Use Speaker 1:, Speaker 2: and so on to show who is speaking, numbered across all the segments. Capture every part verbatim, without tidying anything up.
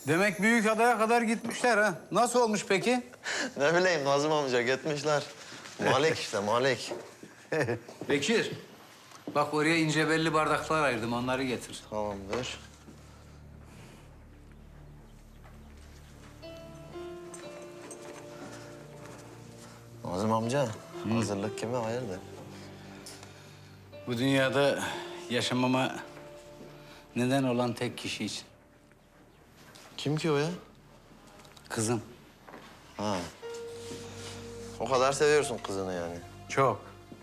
Speaker 1: Demek büyük adaya kadar gitmişler ha. Nasıl olmuş peki?
Speaker 2: Ne bileyim Nazım amca gitmişler. Malik işte Malik.
Speaker 1: Bekir. Bak oraya ince belli bardaklar ayırdım. Onları getir.
Speaker 2: Tamamdır. Nazım amca, hazırlık kime hayırdır?
Speaker 1: Bu dünyada yaşamama neden olan tek kişi için.
Speaker 2: Kim ki o ya?
Speaker 1: Kızım.
Speaker 2: Ha. O kadar seviyorsun kızını yani.
Speaker 1: Çok.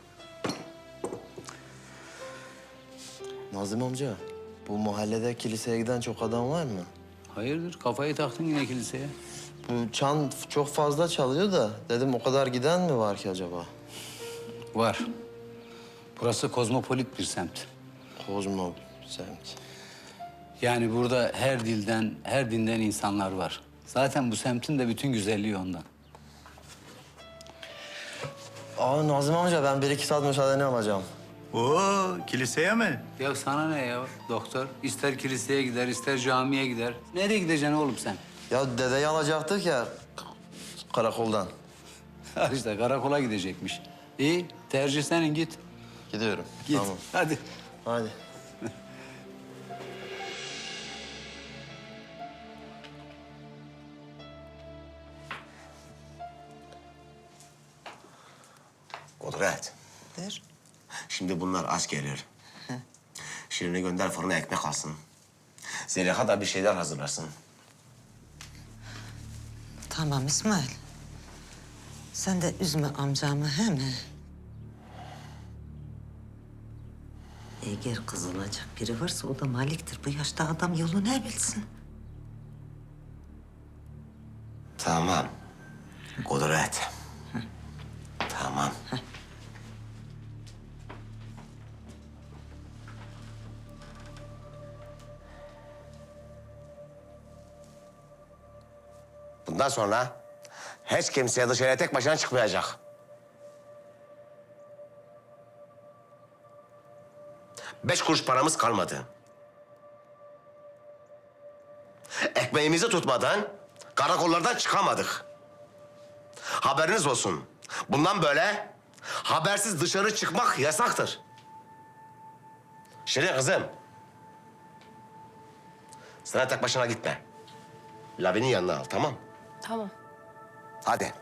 Speaker 2: Nazım amca, bu mahallede kiliseye giden çok adam var mı?
Speaker 1: Hayırdır? Kafayı taktın yine kiliseye.
Speaker 2: Bu çan çok fazla çalıyor da dedim o kadar giden mi var ki acaba?
Speaker 1: Var. Burası kozmopolit bir semt.
Speaker 2: Kozmo semt.
Speaker 1: Yani burada her dilden, her dinden insanlar var. Zaten bu semtin de bütün güzelliği ondan.
Speaker 2: Aa Nazım amca ben bir iki saat müsaadeni alacağım.
Speaker 3: Oo, kiliseye mi?
Speaker 1: Ya sana ne ya doktor? İster kiliseye gider, ister camiye gider. Nereye gideceksin oğlum sen?
Speaker 2: Ya dedeyi alacaktık ya karakoldan.
Speaker 1: Al işte karakola gidecekmiş. İyi, tercih senin git.
Speaker 2: Gidiyorum.
Speaker 1: Git.
Speaker 2: Tamam.
Speaker 1: Hadi.
Speaker 2: Hadi.
Speaker 4: Kudret.
Speaker 5: Der.
Speaker 4: Şimdi bunlar aç gelir. Şirin'i gönder fırına ekmek alsın. Zeliha da bir şeyler hazırlasın.
Speaker 5: Tamam İsmail. Sen de üzme amcamı he mi? Eğer kızılacak biri varsa o da Malik'tir. Bu yaşta adam yolu ne bilsin?
Speaker 4: Tamam. Kudret. Tamam. Bundan sonra hiç kimseye dışarıya tek başına çıkmayacak. Beş kuruş paramız kalmadı. Ekmeğimizi tutmadan karakollardan çıkamadık. Haberiniz olsun. Bundan böyle habersiz dışarı çıkmak yasaktır. Şirin kızım. Sen tek başına gitme. Lavi'nin yanına al, tamam?
Speaker 6: Tamam.
Speaker 4: Hadi.